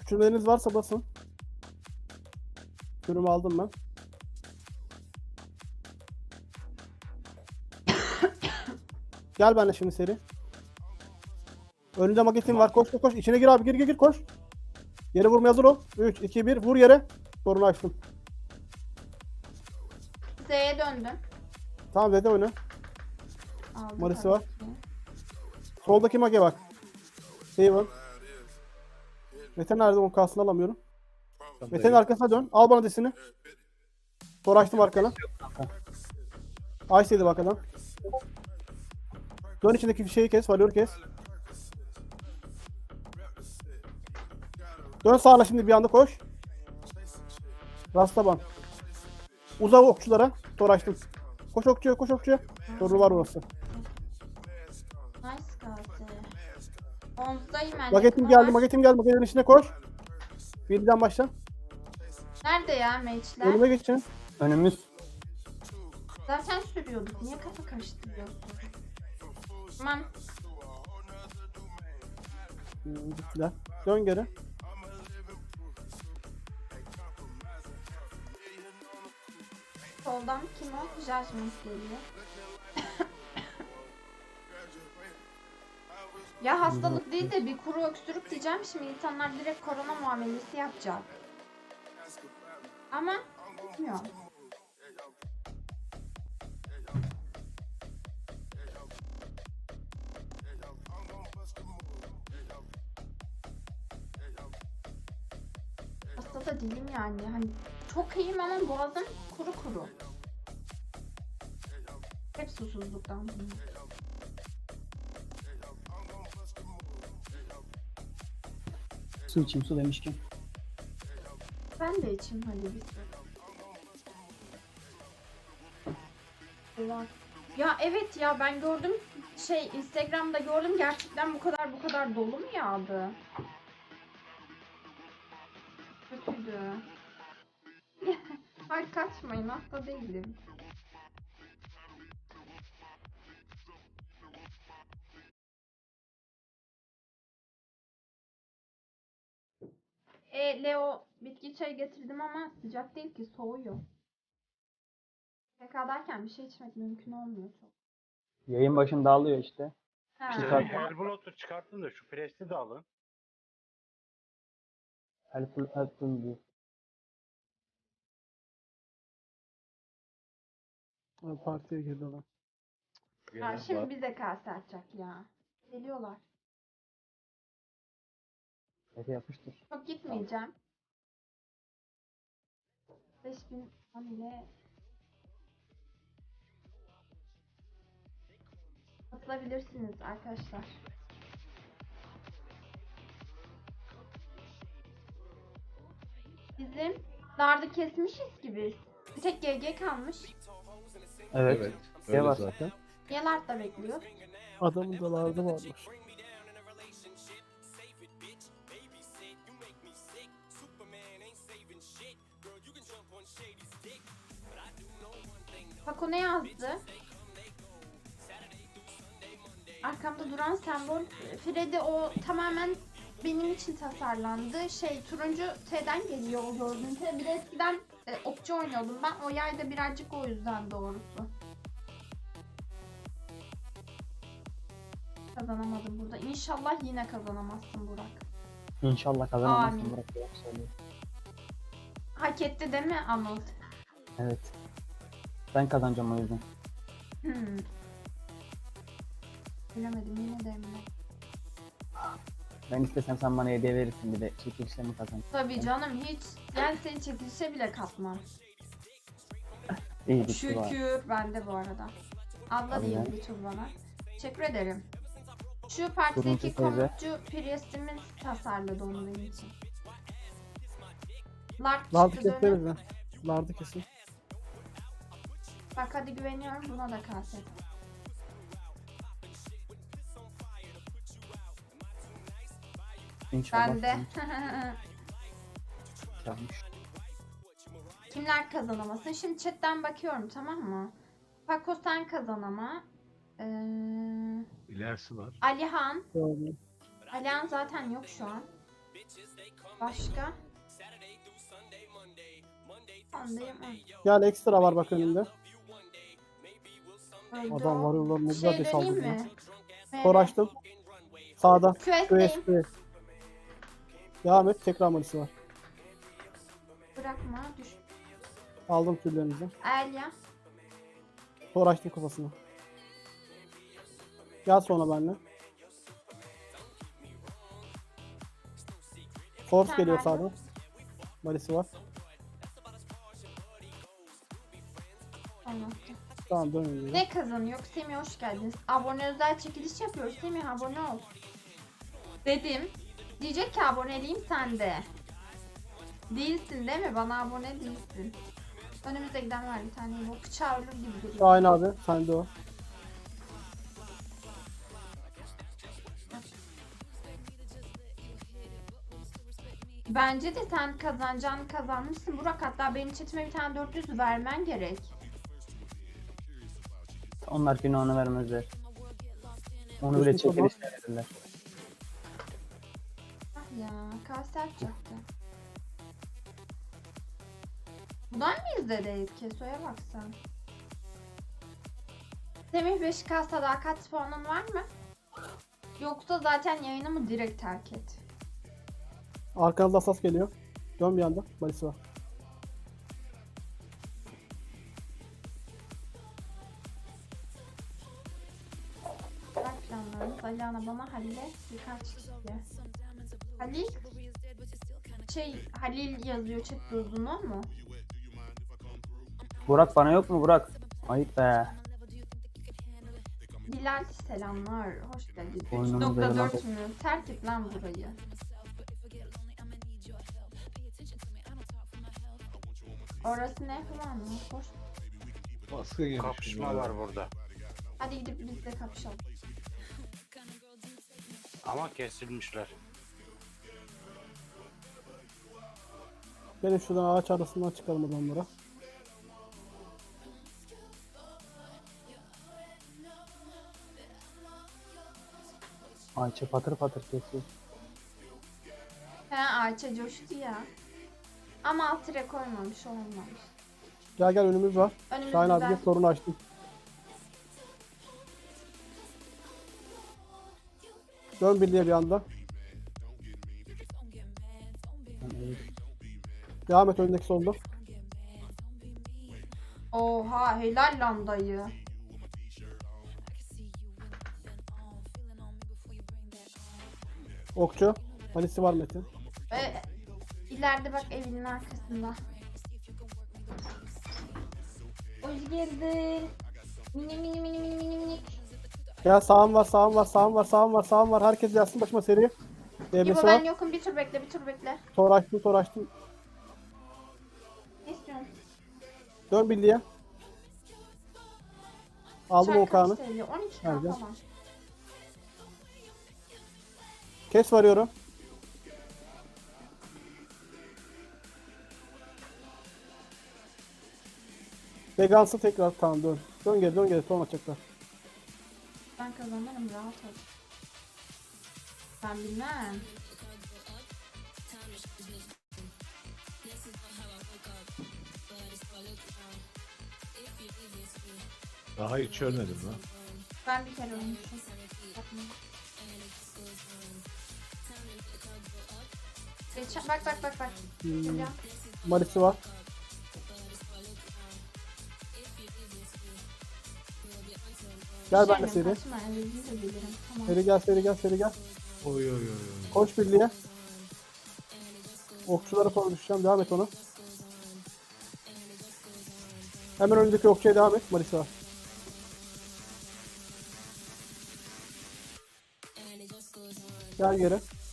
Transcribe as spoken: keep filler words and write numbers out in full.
Küçülmeleriniz varsa basın. Kürümü aldım ben. Gel benimle şimdi seri. Önünde magetin var. Koş koş koş. İçine gir abi. Gir gir gir koş. Yere vurmaya hazır ol. üç, iki, bir. Vur yere. Sorunu açtım. Z'ye döndüm. Tamam Z'de oyna. Aldım Marisi tabii var. ki. Soldaki mage bak. Şey var. Mete nerede? Onun kasını alamıyorum. Mete'nin arkasına dön. Al bana desini. Sonra açtım arkana. Ice'ydi bak adam. Dön içindeki şeyi kes. Valyor kes. Dön sağına şimdi bir anda koş. Rastaban. Uzav okçulara. Sonra açtım. Koş okçuya koş okçuya. Soru var orası. Nice kaldı. Omzdayım ben. Magetim yakın geldi. var. Magetim geldi. Magetin içine koş. Birden başla. Nerede ya meçler? Önüme geçin. Önümüz. Zaten sürüyorduk. Niye kafa karıştırıyorsun? Tamam. Hmm, Gittiler. Dön geri. Soldan kim o? Judgment geliyor. Ya hastalık değil de bir kuru öksürük diyeceğim. Şimdi insanlar direkt korona muamelesi yapacak. Ama gitmiyor. Hasta da değilim yani. Hani çok iyiyim ama boğazım kuru kuru. Hep susuzluktan. Su içeyim, su demişken. Ben de içeyim hadi bir su. Allah. Ya evet ya ben gördüm şey Instagram'da gördüm gerçekten bu kadar bu kadar dolu mu yağdı? Kötüydü. Ay kaçmayın hasta değilim. E, Leo bitki çayı getirdim ama sıcak değil ki soğuyor. P K'dayken bir şey içmek mümkün olmuyor çok. Yayın başında alıyor işte. Ha. Şu Ee, saat- Hellblood'u çıkarttın da şu presti de alın. Helpful, helpful diyor. Ha, partiye girdi adam. Ha, Gelen şimdi var. bize kase atacak ya. Geliyorlar. Efe yapıştır. Çok gitmeyeceğim. beş bin on ile katılabilirsiniz arkadaşlar. Bizim dardı kesmişiz gibi. Bir tek G G kalmış. Evet. Evet. Şey Öyle var. zaten. Yelart da bekliyor. Adamın da lardı varmış. Bak o ne yazdı? Arkamda duran sembol Freddy o tamamen benim için tasarlandı. Şey turuncu T'den geliyor o gördüğün T. Bir de eskiden e, okçu oynuyordum ben. O yayda birazcık o yüzden doğrusu. Kazanamadım burada. İnşallah yine kazanamazsın Burak. İnşallah kazanamazsın Amin. Burak Burak söylüyor. Hak etti değil mi Anıl? Evet. Ben kazanacağım o yüzden. Hmm. Bilemedim yine de emin ol. Ben istesem sen bana hediye verirsin bir de çekilişle mi kazan? Tabii canım hiç yani seni çekilişe bile katmam. İyi bir şey var. Şükür bende bu arada. Abla Tabii diyeyim ya. bir tur bana. Teşekkür ederim. Şu partideki Turuncu teyze. komutçu Priest'imiz tasarladı onu benim için. Lark Lardı çıktı keseriz dönüp. ya. Lardı kesin. Bak hadi güveniyorum buna da kaset. İnşallah. Ben de. Kazanmış. Kimler kazanamasın? Şimdi chatten bakıyorum tamam mı? Paco sen kazanama. Ee, İlerisi var. Alihan. Doğru. Alihan zaten yok şu an. Başka? Andayım. Gel ekstra var bak önünde. Öldü Adam o. var yollar ne güzel Şey de döneyim saldırdı. mi? Tor açtım. Sağda. Quest'teyim. Q S P. Devam et. Tekrar malisi var. Bırakma düş. Aldım türlerinizi. Elya. Tor açtım kafasına. Gel sonra benimle. Force Sen geliyor ver. sağdan. Malisi var. Tamam. Tamam dönüyorum. Ne kazanıyor? Semih hoş geldiniz. Abone özel çekiliş yapıyoruz. Semih abone ol. Dedim. Diyecek ki aboneliyim sende. Değilsin değil mi? Bana abone değilsin. Önümüzde giden var bir tane. Bu bıçağı ölür gibi duruyor. Şahin abi. Sende o. Bence de sen kazanacağını kazanmışsın. Burak hatta benim chatime bir tane dört yüz vermen gerek. Onlar günahını vermezler. Onu bile Kesinlikle çekilişle verirler. Ah ya kase açacaktı. Bundan mıyız dedi Keso'ya baksan. Semih beş K sadakat puanın var mı? Yoksa zaten yayını mı direkt terk et? Arkanızda asas geliyor. Dön bir anda. Malisi var. Bırak planlarımız. Aliana bana Halil'e birkaç kişi. Halil? Şey Halil yazıyor chat uzunu mu? Burak bana yok mu Burak? Ayıp be. Bilal selamlar. Hoş geldin. Oyunumuz üç nokta dört yayınlandı. mü? Terk et lan burayı. Orası ne falan mı? Hoş. Baskı yemiş. Kapışma var burada. Hadi gidip biz de kapışalım. Ama kesilmişler. Gelin şuradan ağaç arasından çıkalım adamlara. Ayça patır patır kesiyor. He Ayça coştu ya. Ama alt tire koymamış olmamış. Gel gel önümüz var. Önümüzde Şahin abi git sorunu açtım. Dön birliğe bir anda. Devam et öndeki solda. Oha helal lan dayı. Okçu. Malisi var Metin. Ve ileride bak evinin arkasında. Hoş geldin. Mini mini mini mini mini mini. Gel sağım var sağım var sağım var sağım var sağım var. Herkes gelsin başıma seri. İbo Devresi ben var. yokum bir tur bekle bir tur bekle. Tor açtım tor açtım. Ne istiyorsun? Dön birliğe. Aldım Çay Okan'ı. kaç T L? on iki K Nerede? falan. Kes varıyorum. Vegansı tekrar tamam dön. Dön geri dön geri son açacaklar. Ben kazanırım rahat ol. Ben bilmem. Daha hiç ölmedim lan. Ben bir kere ölmüşüm. Bakma. Geçen, bak bak bak bak. Hmm. Geliyor. Malisi var. Gel ben de Düşerim, seri. kaçma, evliliği de bilirim. Tamam. Seri gel seri gel seri gel. Oy oy oy oy. Koş birliğe. Okçulara falan düşeceğim. Devam et ona. Hemen önündeki okçuya devam et. Malisi var. Gel geri.